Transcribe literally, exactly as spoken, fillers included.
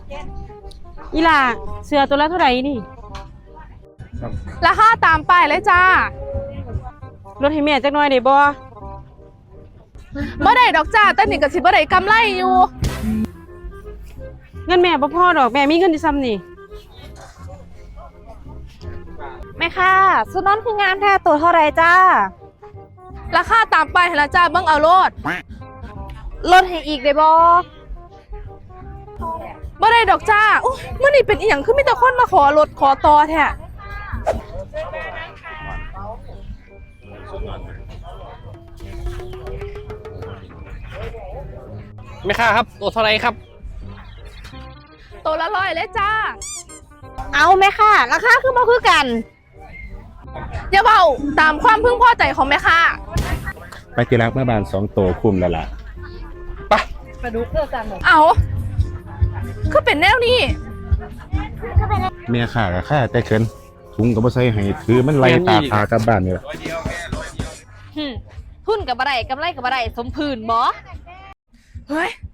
อีหล่าเสือตัวละเท่าไหร่นี่ราคาตามป้ายเลยจ้าลดให้แม่จักหน่อยได้บ่บ่ได้ดอกจ้าแต่นี่ก็สิบ่ได้กำไรอยู่เงินแม่บ่พอดอกแม่มีเงินที่ซ้ำนี่แม่ค่ะสุดนอนคืองามแท้ตัวเท่าไรจ้าราคาตามป้ายให้ละจ้าเบิ่งเอาโลดลดให้อีกได้บ่บ่ได้ดอกจ้าอุ๊ยมื้อนี้เป็นอีหยังคือมีแต่คนมาขอลดขอต่อแท้แม่ค้าครับตัวเท่าไรครับตัวละร้อยเลยจ้าเอาแม่ค่ะราคาคือบ่คือกันอย่าเว้าตามความพึงพอใจของแม่ค้าไปที่รักแม่บ้านสองโตคุมแล้วล่ะไปไปดูเพื่อกันเอาคือเป็นแนวนี้เมียข่ากับข้าแต่เขินถุงกับบ่ใส่ให้ถือมันไล่ตาพากลับบ้านนี่ล่ะทุนกับบ่ได้กำไรกับบ่ได้สมพื้นบ่เฮ้ย